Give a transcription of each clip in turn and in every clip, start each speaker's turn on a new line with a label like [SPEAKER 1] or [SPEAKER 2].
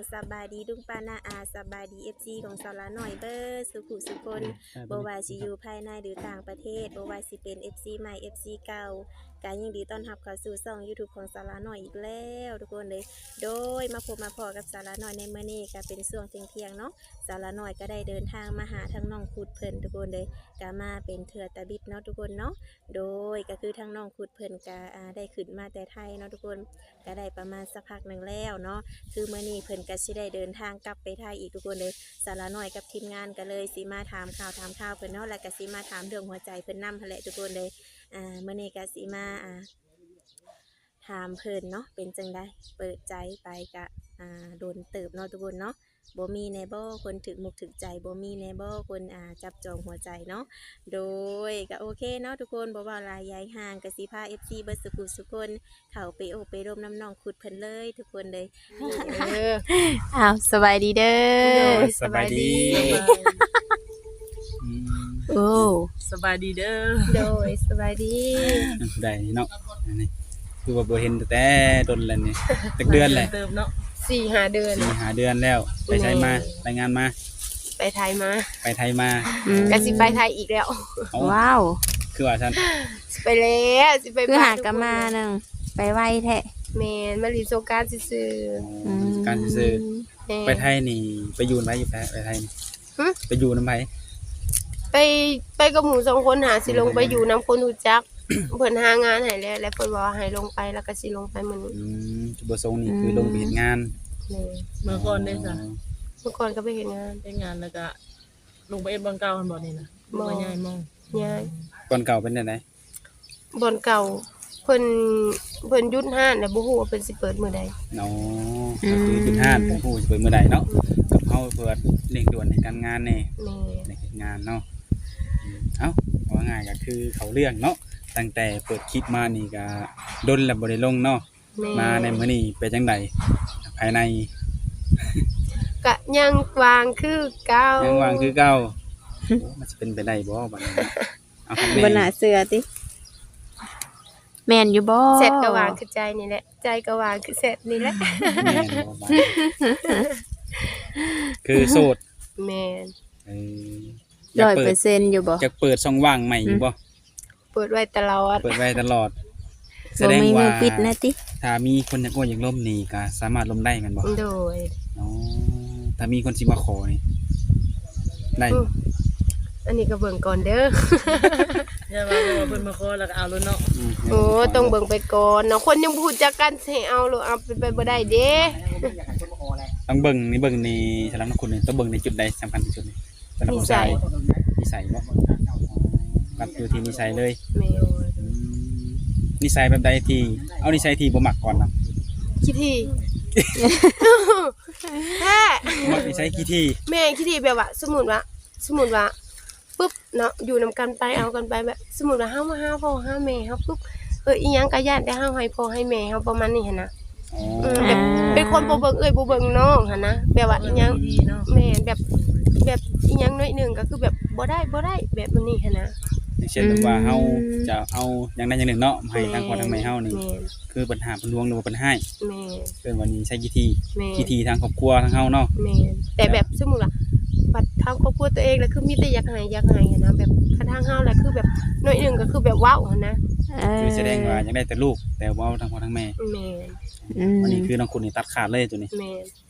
[SPEAKER 1] สบายดีดุงปานาอาสบายดีFCของสาวละหน่อยเบอร์สุขุสุคนบ่ว่าสิอยู่ภายในหรือต่างประเทศบ่ว่าสิเป็น FC ใหม่ FC เก่าการยินดีต้อนรับเข้าสู่ช่อง YouTube ของสาวละหน่อยอีกแล้วทุกคนเลยโดยมาพบมาพอกับสาวละหน่อยในมื้อนี้ก็เป็นช่วงเที่ยงๆเนาะสาวละหน่อยก็ได้เดินทางมาหาทั้งน้องขุดเพิ่นทุกคนเลยก็มาเป็นเถื่อตะบิดเนาะทุกคนเนาะโดยก็คือทั้งน้องขุดเพิ่นก็ได้ขึ้นมาแต่ไทยเนาะทุกคนก็ได้ประมาณสักพักหนึ่งแล้วเนาะคือมื้อนี้เพิ่นก็สิได้เดินทางกลับไปไทยอีกทุกคนเลยสาวละหน่อยกับทีมงานก็เลยสิมาถามข่าวเพิ่นเนาะแล้วก็สิมาถามเรื่องหัวใจเพิ่นนำหั่นแหละทุกคนเลยมื้อนี้ก็สิมาถามเพิ่นเนาะเป็นจังได๋เปิดใจไปก็โดนเติบเนาะทุกคนเนาะบ่มีแน่บ่คนถึกมุกถึกใจบ่มีแน่บ่คนจับจองหัวใจเนาะโดยก็โอเคเนาะทุกคนบ่ว่าหลายยายห่างก็สิพา FC เบิดสุขุสุคนเข้าไปโอบไปร่มน้ำน้องขุดเพิ่นเลยทุกคนเลยสบายดีเด้อ
[SPEAKER 2] สบายดี
[SPEAKER 1] โอ้
[SPEAKER 3] สบายดีเด้อ
[SPEAKER 1] โดยสบายดี
[SPEAKER 2] ผู้ใดเนาะอันนี้คือว่าบ่เห็นแต่ดนแล้วนี่จักเดือนแหละ
[SPEAKER 3] เติมเนาะ
[SPEAKER 1] 4-5 เดือน
[SPEAKER 2] 4-5 เดือนแล้วไปใช้มารายงานมา
[SPEAKER 1] ไปไทยมา
[SPEAKER 4] ก็สิไปไทยอีกแล้ว
[SPEAKER 1] ว้าว
[SPEAKER 2] คือว่าซั่น
[SPEAKER 4] ไปแล้วสิไป
[SPEAKER 1] คือหากนมานึงไปไวแท้
[SPEAKER 4] แม่นมาลินสงกรานต์ซื่อ
[SPEAKER 2] การซื่อไปไทยนี่ไปอยู่ไผอยู่ไปไทยนี่ไปอยู่นำไผ
[SPEAKER 4] ไปกับหมู่2คนหาสิลงไปอยู่นํคนรู้จักเพิ่นหางานให้แล้วแล้วเพิ่นว่าให้ลงไปแล้วก็สิลงไปมื้อนี้
[SPEAKER 2] จุดประสงค์นี่คือลงไปเฮ็ดงาน
[SPEAKER 3] เมื่อก่อนได้ซะ
[SPEAKER 4] เมื่อก่อนก็ไปเฮ็ดงาน
[SPEAKER 3] แล้วก็ลงไปเอ็ดบ่อนเก่าหั่นบ่นี่นะบ่ย้ายมอง
[SPEAKER 4] ย้าย
[SPEAKER 2] ก่อนเก่าเป็นจังได๋
[SPEAKER 4] บ่อนเก่าเพิ่นหยุดห้านแล้วบ่ฮู้ว่าเพิ่นสิเปิดมื้อใด
[SPEAKER 2] อ๋อก็คือหยุดห้านบ่ฮู้สิเปิดมื้อใดเนาะกับเฮาเปิดเร่งด่วนในการงานแน่ในเฮ็ดงานเนาะเอ้าว่าง่ายก็คือเขาเรื่องเนาะตั้งแต่เปิดคลิปมานี่ก็ดนแล้วบ่ได้ลงเนาะมาในมื้อนี้เป็นจังได๋ภายใน
[SPEAKER 4] ก็ยังวางคือเก่า
[SPEAKER 2] ยังวางคือเก่ามันสิเป็นไปได้บ่บัดนี้เอาครับ
[SPEAKER 1] บ่น่าเชื่อติแม่นอยู่บ่
[SPEAKER 4] เสร็จก็วางคือใจนี่แหละใจก็วางคือเสร็จนี่แหละ
[SPEAKER 2] แม่นบ่บัดคือโสด
[SPEAKER 4] แม่น
[SPEAKER 1] 100%อยู่บ่
[SPEAKER 2] จะเปิดช่องว่างใหม่อยู่บ่
[SPEAKER 4] เปิดไว้ตลอด
[SPEAKER 2] แสดงว่า
[SPEAKER 1] ปิดนะติ
[SPEAKER 2] ถ้ามีคนอยากอยากล่มนี่ก็สามารถล่มได้แม่นบ่
[SPEAKER 4] โดย
[SPEAKER 2] อ๋อถ้ามีคนสิมาขอนี่ได้
[SPEAKER 4] อันนี้ก็เบิ่งก่อนเด้อ
[SPEAKER 3] อย่าว่าเพิ่นมาขอแล้วก็เอาเลยเนาะ
[SPEAKER 4] โอ้ต้องเบิ่งไปก่อนเนาะคนยังบ่รู้จักกันสิเอาหรือเอาไปบ่ได้เด้
[SPEAKER 2] ต้องเบิ่งนี่สำหรับคุณนี่ต้องเบิ่งในจุดใดสำคัญที่สุดนี่สำหรับผู้ชายนิสัยบ่กัดอยู่ที่นิสัยเลย
[SPEAKER 4] แม่
[SPEAKER 2] นิสัยแบบใดที่เอานิสัยที่บ่มักก่อนเนาะ
[SPEAKER 4] ขี้ที่แท้
[SPEAKER 2] มักนิสัยขี้ที่
[SPEAKER 4] แม่ขี้ที่แบบว่าสมมุติว่าปึ๊บเนาะอยู่นำกันไปเอากันไปแบบสมมุติว่าเฮามาหาพ่อหาแม่เฮาปึ๊บอีหยังก็ย้านแต่เฮาให้พ่อให้แม่เฮาประมาณนี้หั่นน่ะแบบเป็นคนบ่เบิ่งบ่เบิ่งน้องหั่นนะแบบว่าอีหยังแม่แบบอีหยังน้อยนึงก็คือแบบบ่ได้แบบนี้หั่นนะ
[SPEAKER 2] อย่างเช่นแบบว่าเฮาจะเอาอย่างใดอย่างหนึ่งเนาะให้ทางพ่อทางแม่เฮานี่คือปัญหาเพิ่นลวงหรือว่าเพิ่นให้
[SPEAKER 4] แม่
[SPEAKER 2] เพิ่นว่านี่ใช้ขี้ที่ทางครอบครัวทางเฮาเนาะ
[SPEAKER 4] แม่แต่แบบสมมุติว่าบัดทางครอบครัวตัวเองแล้วคือมีแต่อยากให้หั่นนะแบบทางเฮาแหละคือแบบน้อยนึงก็คือแบบว้าวหั่นนะ
[SPEAKER 2] คือแสดงว่าอยากได้แต่ลูกแต่ว่าทางพ่อทางแม่วันนี้คือน้องคุณนี่ตัดขาดเลยตัวนี้
[SPEAKER 4] แม่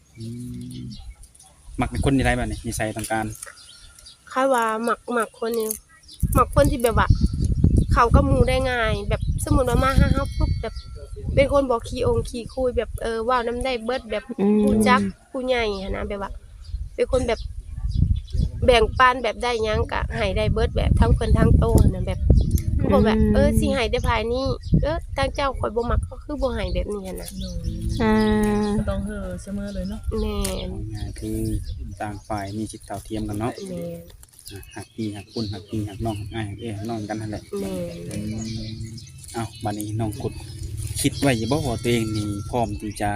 [SPEAKER 2] มักเป็นคนที่ไรแบบนี้นิสัยต่างการ
[SPEAKER 4] ค่าว่ามักคนนี้มักคนที่แบบว่าเขากับหมู่ได้ง่ายแบบสมมุติว่ามาหาเฮาปุ๊บแบบเป็นคนบ่ขี้คุยแบบว้าวนำได้เบิดแบบผู้จักผู้ใหญ่หั่นนะแบบว่าเป็นคนแบบแบ่งปันแบบได้หยังก็ให้ได้เบิดแบบทั้งเพิ่นทั้งโตหั่นน่ะแบบบ่แบบสิให้ได้ภายนี้ทางเจ้าข่อยบ่มักก็คือบ่ให้แบบนี้หั่นน่ะ
[SPEAKER 3] ก็ต้องเสมอเลยเนาะ
[SPEAKER 4] แม่น
[SPEAKER 2] คือต่างฝ่ายมีจิตเท่าเทียมกันเนาะ
[SPEAKER 4] แม่น
[SPEAKER 2] หักพี่หักคุณหักพี่หักน้องหักอ้ายหักหักน้องกันนั่นแหละ
[SPEAKER 4] แม่
[SPEAKER 2] เอ้าบัดนี้น้องกุดคิดไว้บ่ว่าตัวเองนี่พร้อมที่จะ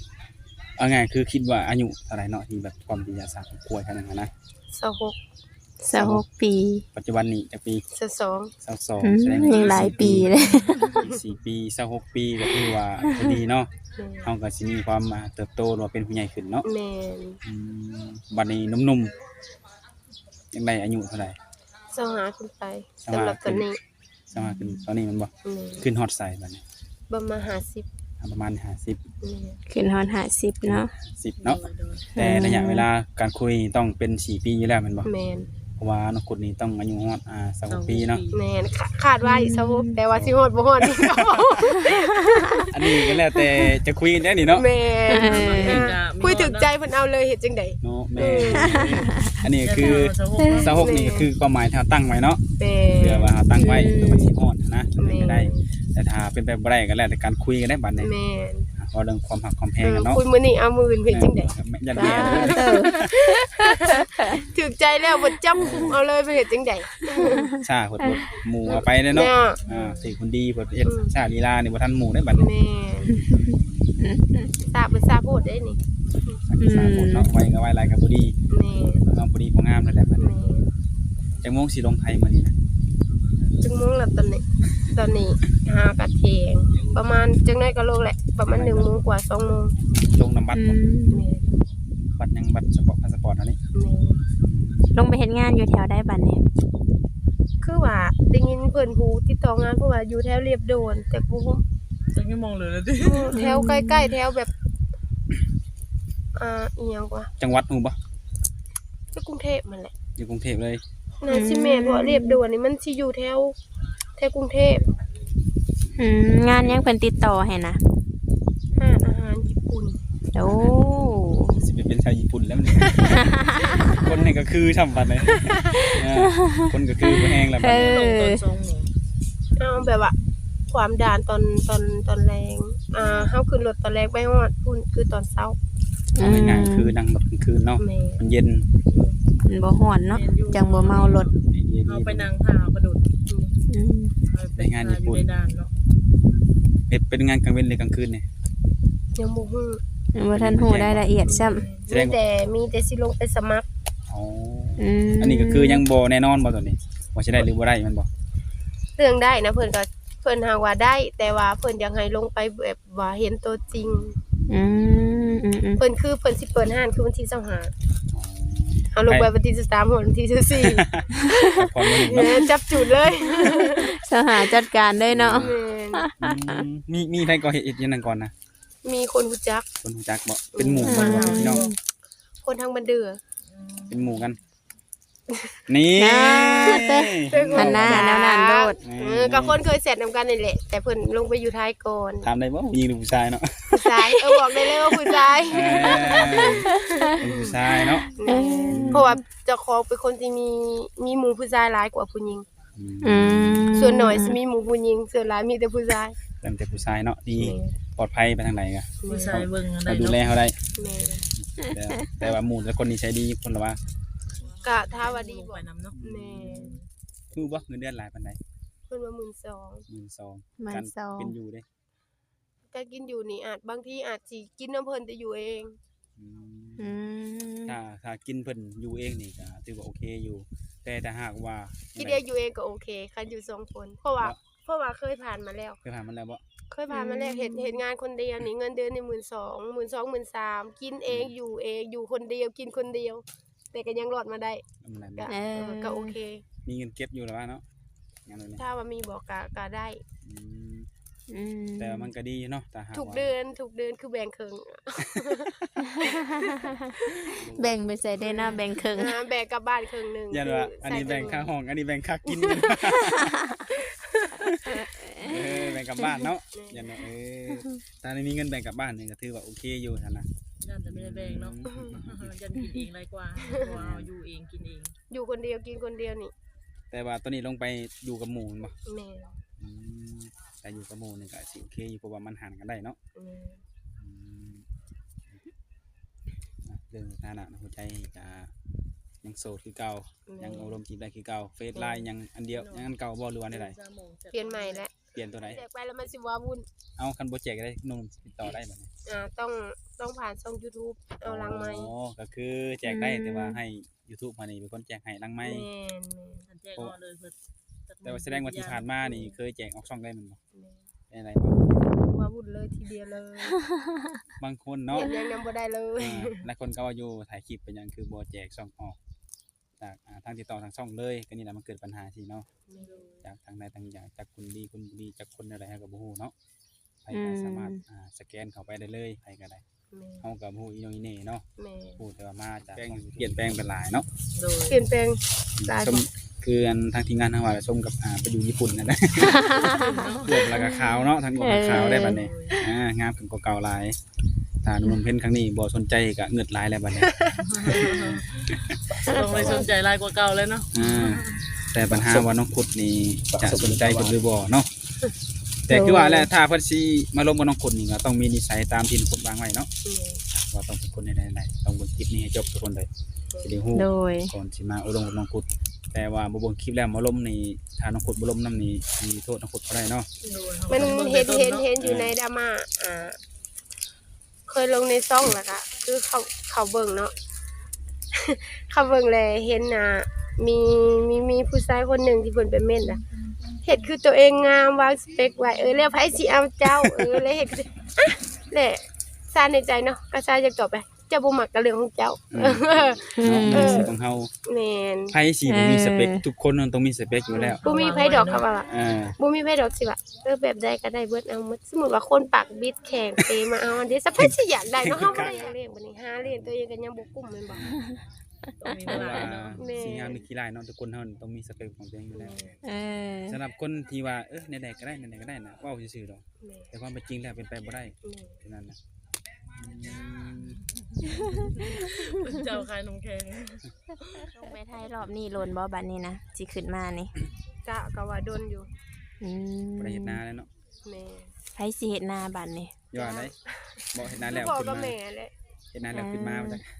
[SPEAKER 2] เอาง่ายคือคิดว่าอายุเท่าไหร่เนาะที่แบบพร้อมที่จะสร้างครอบครัวกันนั่นนะ
[SPEAKER 4] 26
[SPEAKER 1] 26 ปี
[SPEAKER 2] ปัจจุบันนี้จักปี
[SPEAKER 4] 22
[SPEAKER 2] 22แสดง
[SPEAKER 1] ยังหลายปีเลย
[SPEAKER 2] อีก4ปี26ปีก็คือว่าพอดีเนาะเฮาก็สิมีความเติบโตหรือว่าเป็นผู้ใหญ่ขึ้นเนาะ
[SPEAKER 4] แม่น
[SPEAKER 2] บัดนี้หนุ่มๆยังได้อายุเท่าไหร่
[SPEAKER 4] 25ขึ้นไปสำหรับตอนนี้
[SPEAKER 2] สมาขึ้นตอนนี้มันบ่
[SPEAKER 4] แม่น
[SPEAKER 2] ขึ้นฮอดใส่บัดนี้
[SPEAKER 4] ประมาณ50
[SPEAKER 2] ประมาณ50
[SPEAKER 4] แม่น
[SPEAKER 1] ขึ้นฮอด50เนาะ
[SPEAKER 2] 10เนาะแต่ระยะเวลาการคุยต้องเป็น4ปีอยู่แล้วแม่นบ่
[SPEAKER 4] แม่น
[SPEAKER 2] เพราะว่าน้องกุดนี่ต้องอายุฮอด26ปีเนาะ
[SPEAKER 4] แม่นคาดว่าอีก26แต่ว่าสิฮอดบ่ฮอดนี่ก็
[SPEAKER 2] อันนี้ก็แล้วแต่จะคุยกันได้นี่เนาะ
[SPEAKER 4] แม่นคุยถึงใจเพิ่นเอาเลยเฮ็ดจังได๋
[SPEAKER 2] เนาะแม่อันนี้คือ26นี่ก็คือความหมายที่เราตั้งไว้เนาะ
[SPEAKER 4] แม่
[SPEAKER 2] เพื่อว่าเราตั้งไว้เพื่อมันสิฮอดนะ
[SPEAKER 4] แม่
[SPEAKER 2] ไม่ได้ แต่ถ้าเป็นไปบ่ได้ก็แล้วแต่การคุยกันได้บัดนี้
[SPEAKER 4] แม่น
[SPEAKER 2] เพราะเรื่องความหักความแพงกันเนาะ
[SPEAKER 4] คุยมื้อนี้เอามื้ออื่นเฮ็ดจังได๋
[SPEAKER 2] ยันแย่เลย
[SPEAKER 4] ถึกใจแล้วบ่จับคุมเอาเลยไปเฮ็ดจังได๋
[SPEAKER 2] ชาเพิ่นบ่หมู่เอาไปเด้อเนาะ
[SPEAKER 4] เนี่ย
[SPEAKER 2] สิคนดีเพิ่นเฮ็ดชาลีลานี่บ่ทันหมู่ได้บัดนี้
[SPEAKER 4] แม่ทราบเป็นทราบโพดได้นี่
[SPEAKER 2] ชาพูดเนาะไว้ก็ไว้หลายก็บ่ดี
[SPEAKER 4] แม่
[SPEAKER 2] ต้องบ่ดีบ่งามนั่นแหละบัดนี้
[SPEAKER 4] แม่
[SPEAKER 2] จังโมงสิลงไทยมื้อนี้นะ
[SPEAKER 4] จังโมงแล้วตอนนี้หากะเทงประมาณจังได๋ก็ลงแหละ ประมาณ1 โมงกว่า2 โมง
[SPEAKER 2] ลงนำบัตรบ่
[SPEAKER 4] แม่
[SPEAKER 2] บัตรยังบัตรสปอร์ตพาสปอร์ตอันนี้
[SPEAKER 4] แม่
[SPEAKER 1] ลงไปเฮ็ดงานอยู่แถวใดบัดนี้
[SPEAKER 4] คือว่าได้ยินเพิ่นผู้ติดต่องานเพราะว่าอยู่แถวเรียบโดน แต่บ่ฮู้
[SPEAKER 3] จังไม่มองเลยนะดิ
[SPEAKER 4] แถวใกล้ๆแถวแบบอีหยังวะ
[SPEAKER 2] จังหวัดฮู้บ่
[SPEAKER 4] ที่กรุงเทพนั่นแหละ
[SPEAKER 2] อยู่กรุงเทพเลย
[SPEAKER 4] น่าสิแม่นเพราะเรียบโดวนนี่มันสิอยู่แถวกรุงเทพ
[SPEAKER 1] งานยังเพิ่นติดต่อให้นะ
[SPEAKER 4] ห้านอาหารญี่ปุ่น
[SPEAKER 1] โอ้
[SPEAKER 2] สิไปเป็นชาวญี่ปุ่นแล้วนี่ คนนี่ก็คือช่ำบัดเลยคนก็คือบ่แห้งแล้วบัดนี้
[SPEAKER 3] ลงตอน2 โมง
[SPEAKER 4] เอาแบบว่าความด่านตอนแรงเฮาขึ้นรถตอนแรกไปฮอดพุ่นคือตอนเช้า
[SPEAKER 2] เอาง่ายๆคือนั่งรถกลางคืนเนาะ
[SPEAKER 4] แม่
[SPEAKER 2] มันเย็น
[SPEAKER 1] มันบ่ฮ้อนเนาะจังบ่เมารถ
[SPEAKER 2] ไอเดียดี
[SPEAKER 3] เอาไปนั่งท่ากระโดด
[SPEAKER 1] อืม
[SPEAKER 2] ไปงานญี่ปุ่น
[SPEAKER 3] อยู่ในด่านเนาะ
[SPEAKER 2] เป็นงานกลางเว้นหรือกลางคืนเนี่ย
[SPEAKER 4] ยังบ่ฮู้
[SPEAKER 1] บ่ทันฮู้รายละเอียดซ้ำ
[SPEAKER 2] แสดงว่า
[SPEAKER 4] มีแต่สิลงไปสมัคร
[SPEAKER 2] อ๋ออันนี้ก็คือยังบ่แน่นอนบ่ตอนนี้ว่าสิได้หรือบ่ได้มันบ่
[SPEAKER 4] เรื่องได้นะเพิ่นหาว่าได้ แต่ว่าเพิ่นอยากให้ลงไปแบบว่าเห็นตัวจริง
[SPEAKER 1] อืม
[SPEAKER 4] เพิ่นสิเปิดห้านคือวันที่25
[SPEAKER 2] อ๋อ
[SPEAKER 4] เอาลงไปวันที่13วันที่14
[SPEAKER 2] พอมี
[SPEAKER 4] แม่จับจุดเลย
[SPEAKER 1] สหาจัดการเลยเนาะ
[SPEAKER 4] แม่น
[SPEAKER 2] มีใครก่อเหตุอีกอย่างนั้นก่อนนะ
[SPEAKER 4] มีคนรู้จัก
[SPEAKER 2] คนรู้จักบ่เป็นหมู่บ่หรือว่าพี่น้อง
[SPEAKER 4] คนทางบันเดือ
[SPEAKER 2] เป็นหมู่กัน นี่
[SPEAKER 1] หันหน้าแนวนั้นโดด
[SPEAKER 4] กับคนเคยเสร็จนำกันนี่แหละ แต่เพิ่นลงไปอยู่ท้ายก่อน
[SPEAKER 2] ถามได้บ่ผู้หญิงหรือผู้ชายเนาะ
[SPEAKER 4] ผู้ชายบอกได้เลยว่าผู้ชาย
[SPEAKER 2] เป็นผู้ชายเนาะ
[SPEAKER 4] เพราะว่าเจ้าของเป็นคนที่มีหมู่ผู้ชายหลายกว่าผู้หญิง
[SPEAKER 1] อืม
[SPEAKER 4] ส่วนน้อยสิมีหมู่ผู้หญิงส่วนหลายมีแต่ผู้ชาย
[SPEAKER 2] เป็นแต่ผู้ชายเนาะดีปลอดภัยไปทางไหนก็
[SPEAKER 3] ผู้ชายเบิ่งอะไร
[SPEAKER 2] เราดูแล
[SPEAKER 3] เนาะ
[SPEAKER 2] เขาได้
[SPEAKER 4] แม่
[SPEAKER 2] แต่ว่าหมู่แต่คนนี้ใช้ดีคนละว่า
[SPEAKER 4] ก็ถ้าว่าดี
[SPEAKER 3] ลง
[SPEAKER 4] บ่
[SPEAKER 3] ไปนำเนาะ
[SPEAKER 4] แม่
[SPEAKER 2] คือบ่เงินเดือนหลายปานใด
[SPEAKER 4] เพิ่นว่า12,000
[SPEAKER 2] 12,000การเป็นอยู่เด้
[SPEAKER 4] ก็กินอยู่นี่อาจบางทีอาจสิกินน้ำเพิ่นแต่อยู่เอง
[SPEAKER 1] อืม
[SPEAKER 2] ถ้ากินเพิ่นอยู่เองนี่ก็ถือว่าโอเคอยู่ แต่ถ้าหากว่า
[SPEAKER 4] กินเองอยู่เองก็โอเคคันอยู่2 คนเพราะว่าเคยผ่านมาแล้ว
[SPEAKER 2] เคยผ่านมันแล้วบ่
[SPEAKER 4] เคยผ่านมาแล้วเห็นงานคนเดียวนี่เงินเดือนนี่12,000 13,000กินเองอยู่คนเดียวกินคนเดียว แต่ก็ยังรอดมาได้
[SPEAKER 2] มัน
[SPEAKER 4] ก็
[SPEAKER 2] นั้น
[SPEAKER 4] ก็โอเค
[SPEAKER 2] มีเงินเก็บอยู่แล้วว่าเนาะงานแบบนี้
[SPEAKER 4] ถ้าว่ามีบอกก็ได้
[SPEAKER 2] อืม
[SPEAKER 1] อืม
[SPEAKER 2] แต่ว่ามันก็ดีเนาะแต่หาก
[SPEAKER 4] ทุก
[SPEAKER 2] ว่า
[SPEAKER 4] เดือนคือแบ่งครึ่ง
[SPEAKER 1] แบ่งไปใส่ได้หน้าแบ่งครึ่ง
[SPEAKER 4] แบ่งกลับบ้านครึ่งหนึง
[SPEAKER 2] ยันว่าอันนี้แบ่งค่าห้องอันนี้แบ่งค่ากินแบ่งกลับบ้านเนาะยันว่าถ้ามีเงินแบ่งกลับบ้านนี่ก็ถือว่าโอเคอยู่ท่านนะ
[SPEAKER 3] ย่านแต่ไม่ได้แบ่งเนาะยันกินเองไรกว่าเพราะว่าเอาอยู่เองกินเอง
[SPEAKER 4] อยู่คนเดียวกินคนเดียวนี่
[SPEAKER 2] แต่ว่าตอนนี้ลงไปอยู่กับหมู่บ่
[SPEAKER 4] แม่
[SPEAKER 2] อืมแต่อยู่กับหมู่นี่ก็สิโอเคอยู่เพราะว่ามันหันกันได้เนาะ
[SPEAKER 4] แม่
[SPEAKER 2] อืมเรื่องสถานะหัวใจจะยังโสดคือเก่ายังอารมณ์จีบได้คือเก่าเฟซไลน์ยังอันเดียวยังอันเก่าบ่หรือว่าอันใด
[SPEAKER 4] เปลี่ยนใหม่แล้ว
[SPEAKER 2] เปลี่ยนตัวไหน
[SPEAKER 4] แจกไปแล้วมันสิว่าวุ่น
[SPEAKER 2] เอาคันโปรเจกต์ได้หนุ่มติดต่อได้แบบนี้
[SPEAKER 4] ต้องผ่านช่อง YouTube เอาหลังไมค์
[SPEAKER 2] อ๋อก็คือแจกได้แต่ว่าให้ YouTube มานี่เป็นคนแจกให้หลังไม้
[SPEAKER 4] แม่น
[SPEAKER 3] ทันแจ้งก่อนเลยเพิ่นจัก
[SPEAKER 2] แต่ว่าแสดงว่าที่ผ่านมานี่เคยแจกออกช่องได้แมันบ่
[SPEAKER 4] แม่น
[SPEAKER 2] ได้อะไรบ้าง
[SPEAKER 4] ว่าวุ่นเลยทีเดียวเลย
[SPEAKER 2] บางคนเนาะ
[SPEAKER 4] เห็นยังนำบ่ได้เลย
[SPEAKER 2] หลายคนก็ว่าอยู่ถ่ายคลิปเป็นหยังคือบ่แจกช่องออกจากทางติดต่อทางช่องเลยก็นี่แหละมันเกิดปัญหาสิเนาะจากทางใดทางอย่างจากคุณดีคุณบุรีจากคนอะไรเฮาก็บ่ฮู้เนาะใครก็สามารถสแกนเข้าไปได้เลยใครก็ได้
[SPEAKER 4] แม่
[SPEAKER 2] เฮาก็บ่ฮู้อีโนอีเหน่เนาะ
[SPEAKER 4] แม่
[SPEAKER 2] พูดแต่ว่ามาจากเปลี่ยนแปลงเป็นหลายเนาะ
[SPEAKER 3] โดย
[SPEAKER 4] เปลี่ยนแปลงหลาย
[SPEAKER 2] ชมคืออันทางทีมงานทางว่าชมกับไปอยู่ญี่ปุ่นนั่นแหละรวมแล้วก็ขาวเนาะทั้งรวมขาวได้บัดนี้งามขึ้นกว่าเก่าหลายถ้าหนุ่มเพิ่นครั้งนี้บ่สนใจก็เงือดหลายแล้วบัดนี้
[SPEAKER 3] ต้องไม่สนใจหลายกว่าเก่าเลยเนาะ
[SPEAKER 2] แต่ปัญหาว่าน้องขุดนี่จะสนใจเพิ่นหรือบ่เนาะแต่คือว่าแหละถ้าเพิ่นสิมาลงกับน้องขุดนี่ก็ต้องมีนิสัยตามที่น้องขุดวางไว้เนาะว่าต้องเป็นคนใดๆต้องเบิ่งคลิปนี้ให้จบทุกคนเลยสิได้ฮู้
[SPEAKER 1] โดย
[SPEAKER 2] ก่อนสิมาอบรมกับน้องขุดแต่ว่าบ่เบิ่งคลิปแล้วมาล้มนี่ถ้าน้องขุดบ่ล้มนํนี่มีโทษน้องขุดบ่ได้เนาะ
[SPEAKER 4] มันเห็นอยู่ในดราม่าเคยลงในซ่องแล้วก็คือเขาเบิ่งเนาะ เขาเบิ่งแลเห็นมีผู้ชายคนหนึงที่เพิ่นเป็นเม่นน่ะเฮ็ดคือตัวเองงามวางสเปคไว้แล้วไผสิเอาเจ้าแล้วเฮ็ดคือแหละซ่านในใจเนาะก็ซ่าจะตอบไปเจ้าบ่มักก็เรื่องของเจ้า
[SPEAKER 2] สิของเฮา
[SPEAKER 4] แม่น
[SPEAKER 2] ไผสิบ่มีสเปคทุกคนมันต้องมีสเปคอยู่แล้ว
[SPEAKER 4] บ่มีไผดอกครับว่า บ่มีไผดอกสิว่าแบบใดก็ได้เบิดเอาหมดสมมุติว่าคนปากบิดแข็งเปมาเอาอันเด้สักไผสิอยากได้เนาะเฮาบ่ได้อยากเลี้ยงบัดนี้หาเลี้ยงตัวเองก็ยังบ่กุ้มแม่นบ่
[SPEAKER 3] ต้องมี
[SPEAKER 2] เพ
[SPEAKER 3] เว
[SPEAKER 2] ราะ
[SPEAKER 3] ลา
[SPEAKER 2] ว่า
[SPEAKER 3] เนาะ
[SPEAKER 4] แม่
[SPEAKER 2] สิ่งงามมีขี้ลายเนาะทุกคนเฮาต้องมีสเปคของตัวเองอยู่แล้ว
[SPEAKER 1] เออ
[SPEAKER 2] สำหรับคนที่ว่าไหนๆก็ได้ไหนๆก็ได้น่ะเว้าซื่อๆดอก
[SPEAKER 4] แม่
[SPEAKER 2] แต่ความเป็นจริงแล้วเป็นไปบ่ได้
[SPEAKER 4] แม่
[SPEAKER 2] ฉะนั้นน่ะ
[SPEAKER 3] เจ้าขายนมแข็ง
[SPEAKER 1] ลงไปไทยรอบนี้โลนบ่บัดนี้นะสิขึ้นมานี่
[SPEAKER 4] ก็ว่าดนอยู่
[SPEAKER 1] อืม
[SPEAKER 2] บ่ได้เฮ็ดนาแล้วเนาะ
[SPEAKER 4] แม่
[SPEAKER 1] ไผสิเฮ็ดนาบัดนี้
[SPEAKER 2] ย้อนได้บ่เฮ็ดนาแล้ว
[SPEAKER 4] บอก
[SPEAKER 2] ขึ้น
[SPEAKER 4] กับ
[SPEAKER 2] มา
[SPEAKER 4] แม่แหละ
[SPEAKER 2] เฮ็ดนาแล้วขึ้นมาว่าจัง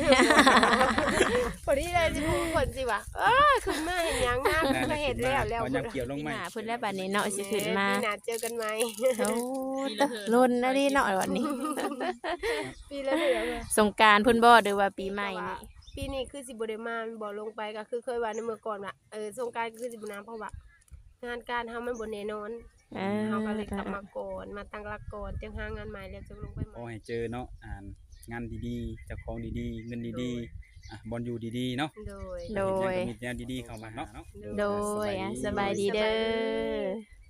[SPEAKER 4] พอดีเลยสิพูดเพิ่นสิว่าขึ้นมาเห็นหยังงามก็เฮ็ดแล้ว
[SPEAKER 2] พอยามเกี่ยวลง
[SPEAKER 1] ปี
[SPEAKER 2] ใหม่
[SPEAKER 1] หน้าเพิ่นแล้วบัดนี้เนาะสิขึ้นมา
[SPEAKER 4] ปีหน้าเจอกันใหม่
[SPEAKER 1] โอ้ตะโลนนะดิเนาะบัดนี้
[SPEAKER 4] ปีละเทื่อ
[SPEAKER 1] สงกรานต์เพิ่นบ่หรือว่าปีใหม่นี่
[SPEAKER 4] ปีนี้คือสิบ่ได้มาบ่ลงไปก็คือเคยว่าในเมื่อก่อนว่าสงกรานต์คือสิบ่น้ำเพราะว่างานการเฮามันบ่แน่นอน เฮาก็เลยกลับมาก่อนมาตั้งหลักก่อนจังหางานใหม่แล้วจะลงไปให
[SPEAKER 2] ขอ
[SPEAKER 4] ม่
[SPEAKER 2] ให้เจอเนาะงานดีๆเจ้าของดีๆเงินดีๆบอลอยู่ดีๆเนาะ
[SPEAKER 4] โดย
[SPEAKER 1] โดย
[SPEAKER 2] มีแนวดีๆเข้ามาเนาะ
[SPEAKER 1] โดยสบายดีเด้อ